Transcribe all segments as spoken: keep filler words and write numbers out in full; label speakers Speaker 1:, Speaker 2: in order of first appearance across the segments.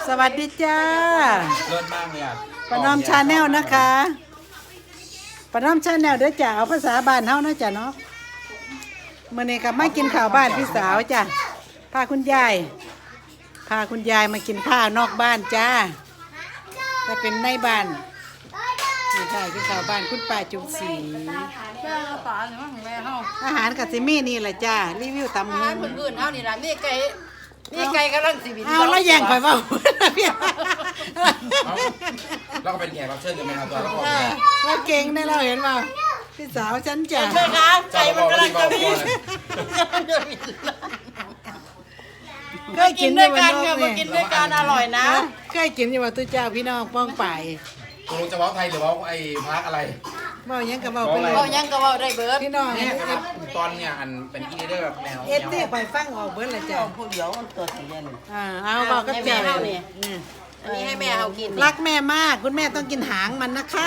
Speaker 1: สวัสดีจ้า
Speaker 2: เลิศมากเลยอ่ะ
Speaker 1: ปนอมชาแนลนะคะปนอมชาแนลเด้อจ้าเอาภาษาบ้านเฮานะจ้ะเนาะมื้อนี้ก็มากินข้าวบ้านพี่สาวจ้ะพาคุณยายพาคุณยายมากินข้าวนอกบ้านจ้าถ้าเป็นในบ้านนี่ค่ะกินข้าวบ้านคุณป้าจุ๋มศรี
Speaker 3: แม่เราตาเนี่ยมั้งแม่เฮา
Speaker 1: อาหารกับซิมี่นี่แหละจ้ารีวิวตำ
Speaker 3: อา
Speaker 1: หู
Speaker 3: หารพื้นๆเฮานี่ล่ะมีไก่มีไก่กำลังสิบิน
Speaker 1: เอาแล้วแย่งข่อยเว้าพี่
Speaker 2: แล้วก็เป็นแขกรับเชิญกันไหมครับตัวเรา
Speaker 1: เออเราเก่งได้เราเห็นเปล่าพี่สาวฉันจ้ะ
Speaker 3: แม่คะไก่มันกำลังจะบิน
Speaker 1: เคย
Speaker 3: กิ
Speaker 1: กิ
Speaker 3: น
Speaker 1: น
Speaker 3: ด้วยกัน
Speaker 1: เนี่
Speaker 3: ค่ะมากินด้วยกันอร่อยนะ
Speaker 1: เคยกินอยู่ว่าตุ้เจ้าพี่น้องป้องไป
Speaker 2: ตกลงจะเว้าไทยหรือเว้าไอ้พักอะไร
Speaker 1: เว้ายังกับเว้าไปเลย
Speaker 3: เว้ายังก็เว้าได้เบิด
Speaker 1: พี่น้อง
Speaker 2: เนี่
Speaker 1: เนี่ย ย
Speaker 2: ตอนเนี่ยอันเป็นอีเดอร์แบบแนว
Speaker 1: เอสตี้ไปฟังออกเบิดละจ้ะ
Speaker 3: ผู้เดียวมันตัวสีเย็น
Speaker 1: อ่าเอาบอกกับเจ้า
Speaker 3: ให้แม่เฮานี่
Speaker 1: อืม
Speaker 3: อันนี้ให้แม่เฮากิน
Speaker 1: รักแม่มากคุณแม่ต้องกินหางมันนะคะ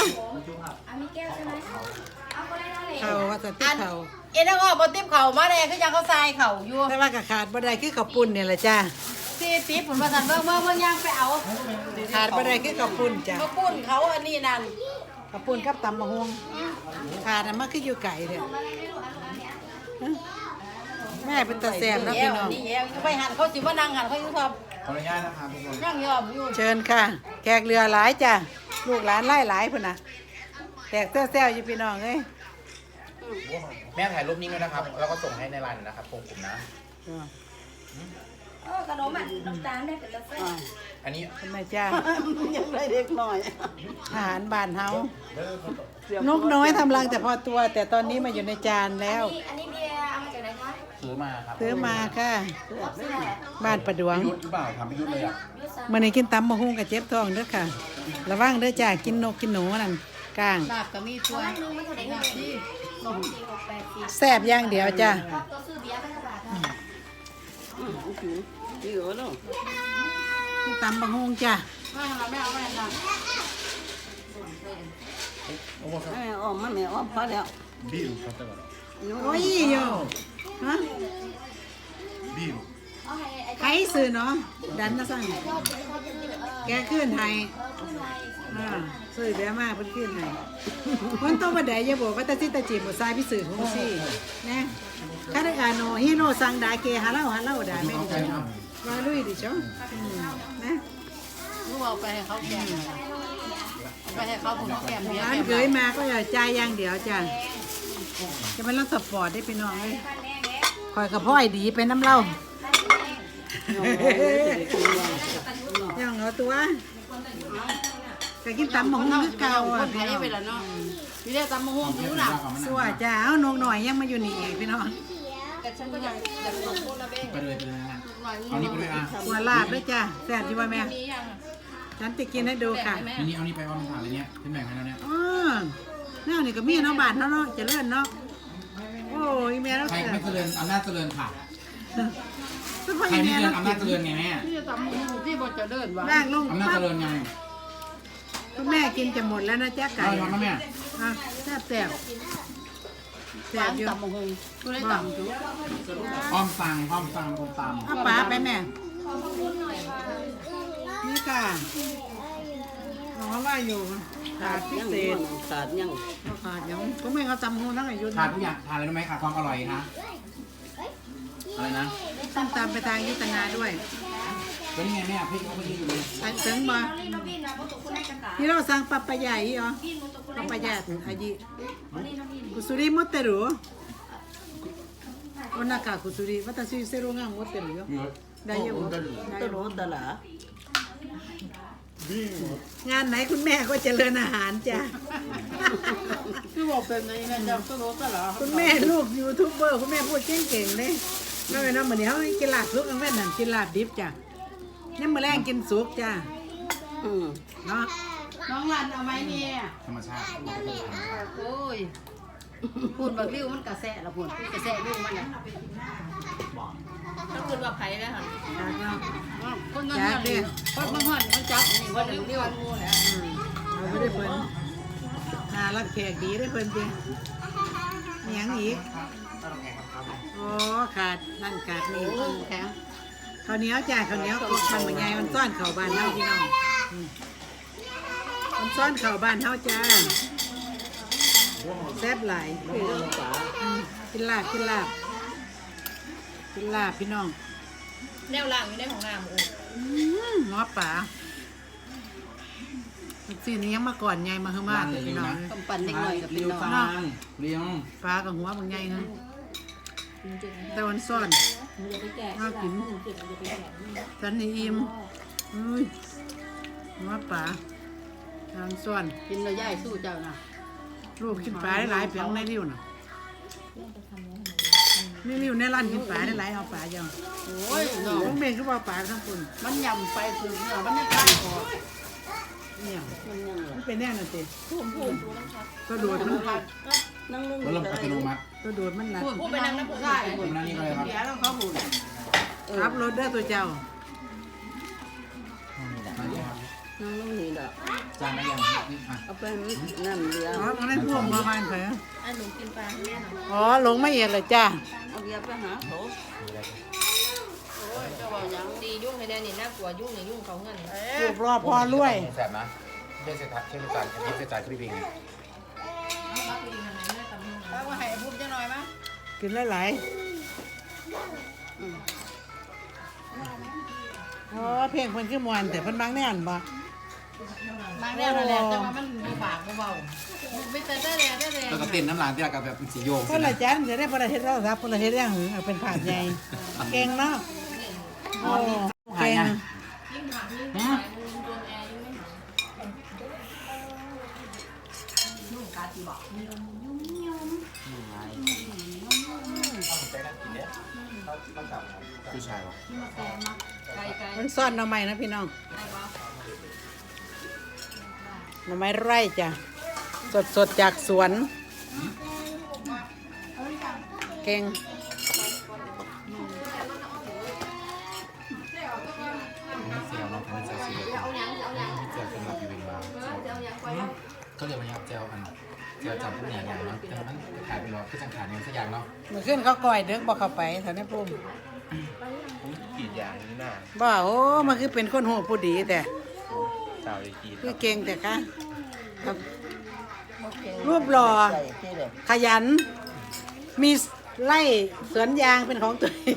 Speaker 1: เขาว่าจะติดเขา
Speaker 3: เอ็นก็บ่ติบเข่ามาแน่คือยังเขาทรายเข่าอยู่
Speaker 1: แต่ว่ากระขาดบ่ได้คือข้าวปุ้นเนี่ยแหละจ้า
Speaker 3: สิติบผลประทานเบิ่งเบิ่งเบิ่งย่างไปเอา
Speaker 1: ขาดบ่ได้คือข้าวปุ้นจ้ะ
Speaker 3: เขาปุ้นเขาอันนี้นั่น
Speaker 1: ข้าวปุ้นกับตำมะฮวงขาดน่ะมันคืออยู่ไก่เนี่ยฮะแม่เป็นตาแซ่บนะพี่น้อง
Speaker 3: นี่แย่ไปหันเขาสิมานั่งหันเขาอยู่ครับ
Speaker 2: ขออนุญาตนะครับทุกคน
Speaker 3: นั่งยอมอยู่
Speaker 1: เชิญค่ะแขกเรือหลายจ้ะลูกหลานไล่หลายพุ่นน่ะแตกแซ่วๆอยู่พี่น้องเอ้ย
Speaker 2: แม่ถ่ายรูปนิ่งด้วยนะครับ แล้วก็ส่งให้ในไลน์นะครับผมกลุ่มนะ
Speaker 4: เออขนมอ่ะน้ำตาลได้เป็นละเส้น
Speaker 2: อันนี้
Speaker 1: ทำไมจ้า
Speaker 3: ยังได้เด็กหน่อย
Speaker 1: อาหารบ้านเฮานกน้อยทำรังแต่พอตัว แต่ตอนนี้มาอยู่ในจานแล้ว
Speaker 4: นี่อันนี้เบียร์เอามาจากไหนคะ
Speaker 2: ซื้อมาครับ
Speaker 1: ซื้อมาค่ะ บ้านประดวง
Speaker 2: ยุทธหรือเปล่าทำไม่ยุทธเลยอ่ะ
Speaker 4: ยูซัง
Speaker 1: มื่อนี้กินตำมะฮุ่งกับเจ็บท้องเด้อค่ะ ระวังเด้อจ้ากินนกกินหนูนั่นก้าง
Speaker 3: ลาบก็มีตัว
Speaker 4: อันนึงมันเท่าไหร่กันดีสองสี่หกแปดสี่
Speaker 1: แซ่บอย่างเดียวจ้า
Speaker 4: ตัวซื้อเบียร์ไปเท่าไหร่คะ
Speaker 3: นี่เหรอเนาะ
Speaker 1: ตำมะฮุ่งจ้า
Speaker 3: ไม่เอาไม่เอาไม่เอา
Speaker 5: แม่อ้อมมาแม่อ้อมพอแล้ว
Speaker 2: บิวครับแต่ก่อน
Speaker 1: โอ้ยโยฮะ
Speaker 2: บิว
Speaker 4: เอาให้ไอ้
Speaker 1: ใครซื้อเนาะดันนะสั่งแกขึ้นไทย
Speaker 4: ขึ้นไลน์
Speaker 1: อ่าซื้อเบียมาเพิ่นขึ้นไทยคนโตบ่ได้อย่าบอกว่าตาสิตาจีบบ่ทรายพี่สื่อของซี่นะคาดาโนฮิโนซังดาเกฮาเล่าฮาเล่าดาแม่ดิจ้ะว่าลุยดิจ้ะอืมนะ
Speaker 3: ลูกเอาไปให้เขาแกมไปให้เขาผมแกมเบียร์
Speaker 1: ร้านเคยมาก็อย่าจ่ายอย่างเดียวจ้ะจะเป็นรถสปอร์ตได้พี่น้องเลยคอยกับพ่อยดีไปน้ำเล่าย่างเอาตัวก็กินตำหมองคือเก่าอ่ะ
Speaker 3: คนไท
Speaker 1: พี่
Speaker 3: ย
Speaker 1: น้อง
Speaker 3: ไปแล้วเนาะมีได้ตำมะฮวงผิวหนัก
Speaker 1: สัวจ้าเอานกหน่อยยังมาอยู่นี่อีกพี่น้อง
Speaker 3: แต่ฉันก็อยากอยากลองพูดนะเบ้ง
Speaker 2: ไปเลยไปเลยนะ
Speaker 3: หน่อย
Speaker 2: เอานี่ไปด้วยอ่ะ
Speaker 1: หัวลาบด้วยจ้าแซ่บอยู่ว่าแม่
Speaker 3: มียัง
Speaker 1: ฉันจะกินให้ดูค่ะ
Speaker 2: อันนี้เอานี่ไปว่ามันผ่านเลยเนี่ยเป็นแบ่งให้แล้วเนี่ย
Speaker 1: อ๋อแน่นี่ก็มีเนาะบาทเนาะเนาะเจะเลื่อนเนาะโอ้ยแม่เรา
Speaker 2: ใคร
Speaker 1: เสือ
Speaker 2: ไม่เจริญอำนาจเจริญค่ะ
Speaker 1: ทุกคน
Speaker 2: ใครไม่
Speaker 1: แม่
Speaker 2: เจริ
Speaker 1: เรา
Speaker 2: ญอำนาจเจริญไงแม่
Speaker 3: ที่จะตำมะฮวงที่บนจะเดินวะ
Speaker 1: ร่างลง
Speaker 2: อำนาจ
Speaker 1: ปั๊
Speaker 2: เจ
Speaker 1: บ
Speaker 2: ริญไง
Speaker 1: คุณแม่กินจะหมดแล้วนะจ๊ะไก่
Speaker 2: เอาทำนะแม่
Speaker 1: อ่ะแซ่บแซ่บแซ่บอยู่
Speaker 3: ตำมะฮวงกูได้ตำจุ๊
Speaker 2: อ้อมสั่งอ้อมสั่งอ้อมตาม
Speaker 1: เอาปลาไปแม่นี่ค่ะน้องว่าอยู่ขาดพิ
Speaker 5: ยัง
Speaker 1: เศษ
Speaker 5: ขาดยัง
Speaker 1: เอาขาดยังก็ไม่เขาจำหูทั้งอายุ
Speaker 2: ทานทุกอย่างทานเลยได้ไหมขาดความอร่อยนะอะไรนะ
Speaker 1: ต้องตามไปทางยุทธนาด้วย
Speaker 2: ก็นี่ไงแม่พี่เขาไปยืนอยู่เลย
Speaker 1: ไปถึงมาที่เราสั่งปัปปายาอีเหรอปัปปายาอายิกุสุริมดเตรุวันนักกุสุริวัตถุเซรุงามมดเตรุよได้เยอะ
Speaker 5: ตะโลตะหลาง
Speaker 1: านไหนคุณแม่ก็เจริญอาหารจ้ะ
Speaker 3: คือบอกเป็นไงนะจ๊ะก็รู้ตลอด
Speaker 1: คุณแม่ลูกยูทูบเบอร์คุณแม่พูดเก่งๆเลยไม่เป็นน้ำเหมือนเดี๋ยวกินลาบสุกอันแม่นั่นกินลาบดิบจ้ะนี่มื้อแรงกินสุกจ้ะ
Speaker 5: อืม
Speaker 1: เนาะ
Speaker 3: น้องรันเอาไหมเนี่ย
Speaker 2: ธรรมชาติ
Speaker 3: โอ้ยพูดแบบริ้วมันกระแสละพูดกระแสริ้วมันเนี่ยถ้าพูดว่าไผ่แล้วค่ะ
Speaker 1: จากเนาะ
Speaker 3: คนนั้นเนี่ยคนบางคนมันจับนี่วันริ้วริ้วงูเนี่ย
Speaker 1: อืมเอาไม่ได้เพิ่นน่ารักแขกดีได้เพิ่นจริงมีหยังอีกโอ้ขาดนั่นขาดนี่
Speaker 3: โอ้แข็ง
Speaker 1: ข้าวเหนียวจ้าข้าวเหนียวกดมันเป็นไงมันซ่อนเข่าบ้านเฮาพี่น้องอืมมันซ่อนเข่าบ้านเฮาจ้าแซ่บหลายอืมกินลาบกินลาบกินลาบพี่น้อง
Speaker 4: แนวล่างอยู่ในของน้ำโอ้
Speaker 1: อืมหัวป่าสีนี้ยังมาก่อนไงมาเฮือมาเลยพี่น้อง
Speaker 3: กำปั้นเล็กน้อยกับเป็นน้อง
Speaker 2: ฟางเลี้ยง
Speaker 1: ปลากับหัวบางไงฮะแต่วันซ่อนน่ากินฉันนี่อิ่มอุ้ยหัวปลาทางซ่อน
Speaker 3: กินแล้วย่ายสู้เจ้านะ
Speaker 1: ลูกกินปลาได้หลายเพียงในริ้วน่ะนี่ริ้วในร้านกินปลาได้หลายเอาปลาเจ้า
Speaker 3: โอ้ยน้อง
Speaker 1: ลูกเมย์ก็บอกปลาทั้งคน
Speaker 3: มันยำไปคือเนื้อมันไม่กล้าออก
Speaker 1: เนี่ย
Speaker 5: มันยังเหรอ
Speaker 1: มันเป็นแน่นั่นสิตัวโดดมัน
Speaker 5: นั่งลง
Speaker 2: แล้วลมอัตโนมัติ
Speaker 1: ตัวโดดมันหนัก
Speaker 3: พูดไปนั่งน้ำผู้ชาย
Speaker 2: ผมนั่งนี่ก็เลยครับ
Speaker 3: เดี๋ยวแล้วเขาพูด
Speaker 1: ขับรถได้อตัวเจ้า
Speaker 5: นั่งลงนี่ดอก
Speaker 2: จานได้ยังนี่อ่ะ
Speaker 5: เอาไปน้ำเลี้ยง
Speaker 1: อ๋อมันได้พ่วงประมาณเถอะ
Speaker 4: อันหนูกินปลาให้แม่หน่อย
Speaker 1: อ๋อลงไม่เอียดเลยจ้า
Speaker 5: เอาเบียร์ไปหาเขา
Speaker 4: โอ้ยเจ้าบอกยังดียุ่งให้แดนนี่น่ากลัวยุ่งเนี่ยยุ่งเขาเงิน
Speaker 1: ลูกรอพอรวย
Speaker 2: แสบนะเทศกาลเทศกาลเทศกาลคลิปปิ้ง
Speaker 3: ป้าว่าให้พูดจะหน่อยมั้ย
Speaker 1: กินหลายๆอ๋อเพลงเพิ่นคือมวนแต่เพิ่นบางแน่นบ่
Speaker 3: บางแน่นั่นแหละแต่ว่ามันมีปากเบาๆไม่แต่ได้แดงได้แดง
Speaker 2: แล้วก็เต้นน้ำลายที่กับแบบสีโยก
Speaker 1: คนละจันจะได้ประเทศเราครับประเทศอย่างหึงเอาเป็นผาดใหญ่เก่งเนาะโอ้เก่ง
Speaker 2: ผู้ชายวะ
Speaker 3: ไก่ไก่
Speaker 1: มันซ่อนหน่อไม้นะพี่น้องหน่อไม้ไร่จ้ะสดสดๆจากสวนเก่ง
Speaker 2: เสียวน้องพันธุ์เสียวสีเหลืองเสียวเป็นแบบอยู่เป็นมาเขาเรียกว่าเจียวอันเจียวจับพวกอย่างอย่างเนาะแต่มันขายเป็นว่าคือจังขาดเนี่ยสักอย่างเนาะ
Speaker 1: เมื่อขึ้นเขาก่อยเด็กบอกเข้าไปแถวนี้พุ่ม
Speaker 2: ผมกีดยางนี่น่า
Speaker 1: บ่าโอ้มันคือเป็นคนโหผู้ดีแต่
Speaker 2: สาวเลยกีด
Speaker 1: คือเก่งแต่คะครับรูปหล่อ
Speaker 5: ใส่ที่เลย
Speaker 1: ขยัน มีไล่สวนยางเป็นของตัวเอง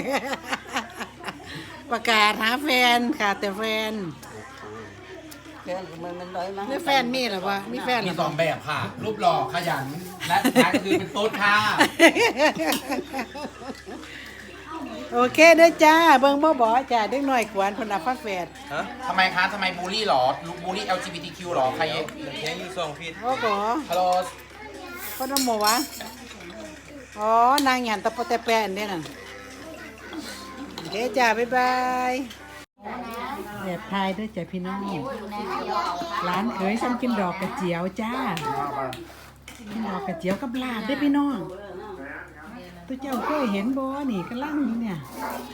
Speaker 1: ประกาศหาแฟนค่ะแต่แฟน
Speaker 5: แค่มันมันร้อยมา
Speaker 1: นี่แฟนมีหรอวะมีแฟนห
Speaker 2: มี
Speaker 1: รือ
Speaker 2: ส
Speaker 1: เป
Speaker 2: อ
Speaker 1: ล่าง
Speaker 2: แบบค่ะ รูปหล่อขยันและสุดท้ายก็คือเป็นโต๊ดค่ะ
Speaker 1: โอเคเด้อจ้า เบิ่งบ่บ่จ้าเด็กน้อยกวนเพนนับฟ้าแฝด
Speaker 2: ทำไมคะทำไมบูลลี่หรอบูลลี่ แอล จี บี ที คิว หรอใคร
Speaker 6: แค่ยูสองฟีด
Speaker 1: โอ้โห
Speaker 2: ฮัลโหล
Speaker 1: คนน้ำหมูวะอ๋อนางหยันตะโปะแตะแปะอันนี้น่ะโอเคจ้า บ๊ายบายแอบทายด้วยจ้ะพี่น้องร้านเคยฉันกินดอกกระเจียวจ้ากินดอกกระเจียวกับลาบได้อพี่น้องตัวเจ้าเคยเห็นบ่นี่กำลังอยู่เนี่ย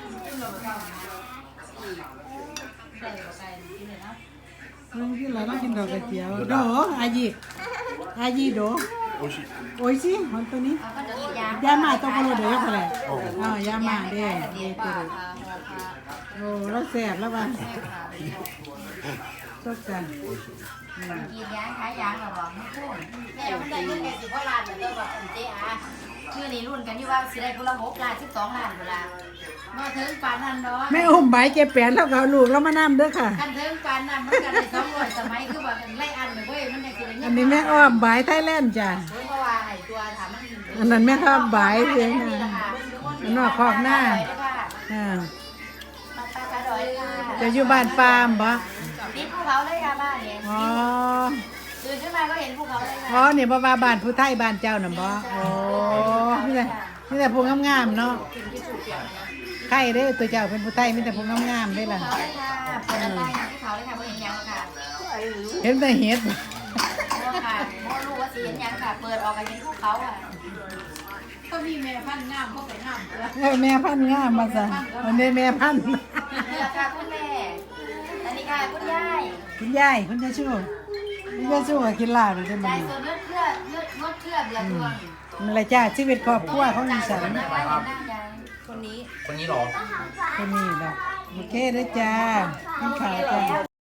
Speaker 1: เรื่องที่เราต้องกินดอกกระเจียวโดอายิอายิโดโอ้ยสิมันตัวนี้ยามาตัวกระโดดเดี๋ยวเขาแหละอ๋อยามาเด้เด้ตัวโอ้แล้วแสบแล้วว่ะชอบกัน
Speaker 4: กินยางขายยางหรอบอกไม่พูดแม่มันได้เงินแค่สิบกว่าล้านเหมือนเดิมแบบเจ๊อาชื่อนี่รุ่นกันอยู่ว่าสิได้คนละหกล้านสิบสองล้านเวลามาถึงปานนั้นเนาะ
Speaker 1: แม่อุ้มใบเก็บแปนแล้วก็เอาลูกแล้วมานั่เด้อค่ะ
Speaker 4: กันถึงปานนั้นมันก็ได้สองร้อยสมัยคือแบบไล่อันเลยเว้ยมันได้กินเงิ
Speaker 1: อันนี้แม่อ้อมใบไทยแลนด์จ้ะ
Speaker 4: เพราะว่าไอ้ตัวถามมัน
Speaker 1: อันนั้นแม่อ้อมใบเพียงนะอันนอกคอกหน้าอ่า
Speaker 4: มาตาตาดอยค่ะ
Speaker 1: จะอยู่บ้านปามบ่
Speaker 4: นี่ภูเขาเลยค่ะบ้านเนี่ย
Speaker 1: อ๋อ
Speaker 4: ตื่นขึ้นมาก็เห็นภูเขาเลย
Speaker 1: อ๋อ
Speaker 4: ค่ะ
Speaker 1: นี่บ่ว่าบ้านผู้ไทยบ้านเจ้าน่ะบ่โอ้นี่แหละนี่แหละผู้งามๆเนาะใครเด้อตัวเจ้าเป็นผู้ไทยมีแต่ผู้งามๆเด้อล่ะ
Speaker 4: ภูเขาเลยค่ะเปิดอะไรภูเขาเลยค่ะไม่เห็นยังค่ะ
Speaker 1: เห็นแต่เห็ด
Speaker 4: โม่ค่ะโม่รู้ว่าสีเห็นยังค่ะ เปิดออกมาเห็นภูเขาอ่ะ
Speaker 3: ก็มีแม่พันธุ์งามก็ไปงาม
Speaker 1: เออแม่พันธุ์งามมาซะอันนี้แม่พันธุ์
Speaker 4: เลือกค่ะคุณแม่อันนี้ค่ะคุณยาย
Speaker 1: คุณยายคุณยายชูคุณยายชูก็กินลาบเลยได้
Speaker 4: ใจ
Speaker 1: มั้ย
Speaker 4: ส่วนเลือดเลือดเลือดงดเลือดเดือดดวง
Speaker 1: มันละจ้าชีวิตครอบครัวของอีสาน
Speaker 4: นั่งไว้นั่งยาย
Speaker 1: ค
Speaker 4: คนนี้
Speaker 2: คนนี้เหรอ
Speaker 1: คนนี้ล่ะโอเคเด้อจ้ากิน